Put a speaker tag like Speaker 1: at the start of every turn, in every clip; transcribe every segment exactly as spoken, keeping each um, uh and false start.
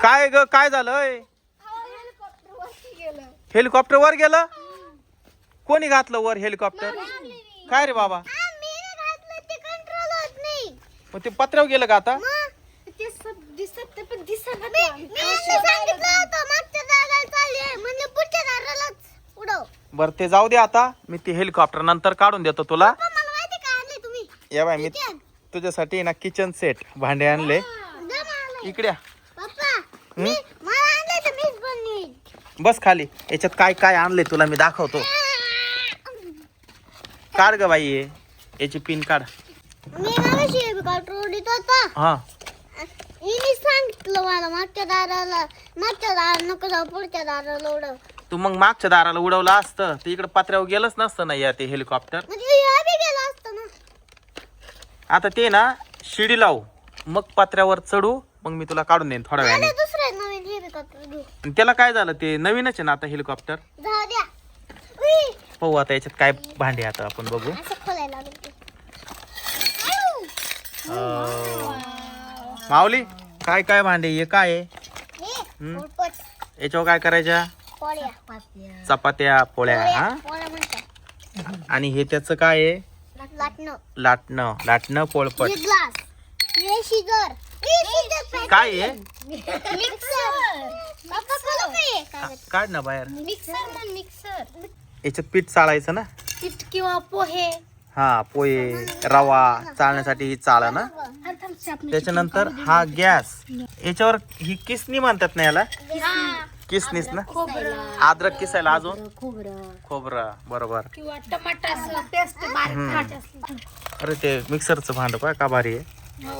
Speaker 1: काय ग काय झालंय? हेलिकॉप्टर वर गेलं? कोणी घातलं वर हेलिकॉप्टर? काय रे बाबा? मग ते पत्र्यावर गेलं का आता? बर ते जाऊ दे आता. मी ते हेलिकॉप्टर नंतर काढून देतो तुला. या बाय मी तुझ्यासाठी ना किचन सेट भांडे आणले. इकडे बस खाली. याच्यात काय काय आणले तुला मी दाखवतो. काढ ग बाई याची पिन काढ. हा
Speaker 2: सांगितलं मला मागच्या दाराला मागच्या दाराला नको जाऊ पुढच्या दाराला उडव.
Speaker 1: तू मग मागच्या दाराला उडवलं असतं ते इकडे पत्र्यावर गेलंच नसतं ना या ते हेलिकॉप्टर.
Speaker 2: गेलं असतं ना.
Speaker 1: आता ते ना शिडी लावू मग पत्र्यावर चढू मग मी तुला काढून देईन थोड्या वेळाने.
Speaker 2: दुसरे नवीन हेलिकॉप्टर घेऊ.
Speaker 1: त्याला काय झालं ते नवीनच आहे ना आता हेलिकॉप्टर.
Speaker 2: जाऊ द्या.
Speaker 1: पाहू आता याच्यात काय भांडे आता आपण बघू.
Speaker 2: असं खोलायला लागेल.
Speaker 1: माऊली काय काय भांडे हे काय आहे?
Speaker 2: हे पोळपट.
Speaker 1: याच्यावर काय करायच्या?
Speaker 2: पोळ्या.
Speaker 1: चपात्या पोळ्या. हा
Speaker 2: पोळ्या म्हणतात.
Speaker 1: आणि हे त्याचं काय आहे?
Speaker 2: लाटणं.
Speaker 1: लाटणं लाटणं पोळपट.
Speaker 2: हे ग्लास. हे शिजर.
Speaker 1: काय आहे?
Speaker 2: मिक्सर. बाबा खोलो काय?
Speaker 1: काढ ना बाहेर.
Speaker 2: मिक्सर म्हण मिक्सर.
Speaker 1: याच्यात पीठ चाळायचं ना.
Speaker 2: पीठ किंवा पोहे.
Speaker 1: हा पोहे रवा चालण्यासाठी ही चाळ ना. त्याच्यानंतर हा गॅस. याच्यावर ही किसनी म्हणतात ना याला. किसनीस ना. अद्रक किसायला अजून खोबरं बरोबर.
Speaker 2: किंवा टमाटर पेस्ट बारीक असली.
Speaker 1: अरे ते मिक्सरचं भांड पाय का भारी आहे.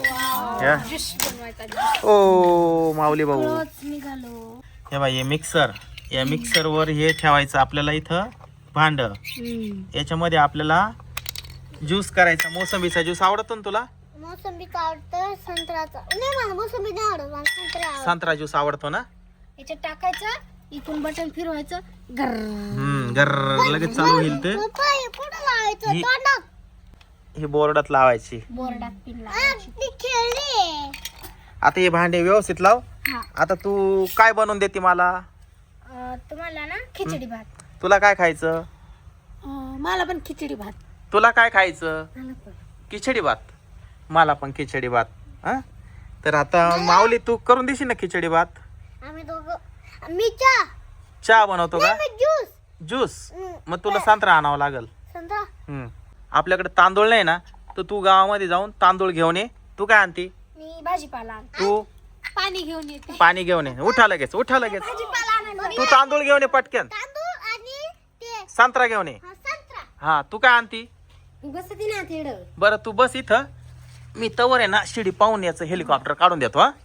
Speaker 1: ओ माऊली भाऊ
Speaker 2: निघालो.
Speaker 1: हे बाई हे मिक्सर. या मिक्सर वर हे ठेवायचं आपल्याला इथं भांड. याच्यामध्ये आपल्याला ज्यूस करायचा. मोसंबीचा ज्यूस आवडतो ना तुला?
Speaker 2: मोसंबीचा आवडतं. संत्र्याचा नाही मला मोसंबी नाही आवडत. मला संत्रा आवडतं.
Speaker 1: संत्रा ज्यूस आवडतो ना.
Speaker 2: याच्यात टाकायचं इथून बटन फिरवायचं.
Speaker 1: हम्म गर्र लगेच चालू होईल ते.
Speaker 2: पप्पा हे कुठं लावायचं?
Speaker 1: ही-
Speaker 2: तोंडात.
Speaker 1: ही बोर्डात लावायची.
Speaker 2: बोर्डात पिन लावायची. ती खेळली.
Speaker 1: आता हे भांडे व्यवस्थित लाव.
Speaker 2: हा.
Speaker 1: आता तू काय बनवून देते मला?
Speaker 2: अं, तुम्हाला ना खिचडी भात.
Speaker 1: तुला काय खायचं?
Speaker 2: अं, मला पण खिचडी भात.
Speaker 1: तुला काय खायचं?
Speaker 2: मला पण.
Speaker 1: खिचडी भात. मला पण खिचडी भात. हा तर आता माऊली तू करून देशील ना खिचडी भात?
Speaker 2: आम्ही दोघं मी चहा.
Speaker 1: चहा बनवतो का?
Speaker 2: मी ज्यूस.
Speaker 1: ज्यूस.
Speaker 2: हम्म.
Speaker 1: मग तुला संत्रा आणावं लागल.
Speaker 2: संत्रा.
Speaker 1: हम्म आपल्याकडे तांदूळ नाही ना तर तू गावामध्ये जाऊन तांदूळ घेऊन ये. तू काय आणती?
Speaker 2: मी भाजीपाला आणते.
Speaker 1: तू
Speaker 2: पाणी घेऊन येते.
Speaker 1: पाणी घेऊन ये. उठा लगेच उठा लगेच.
Speaker 2: भाजीपाला आणायला.
Speaker 1: तू तांदूळ घेऊन ये पटकन.
Speaker 2: तांदूळ आणि ते
Speaker 1: संत्रा घेऊन ये.
Speaker 2: हा, संत्रा.
Speaker 1: हा तू काय आणती?
Speaker 2: बसती ना तेवढं.
Speaker 1: बरं तू बस इथं. मी तवर आहे ना शिडी पाहून याचं हेलिकॉप्टर काढून देतो. हा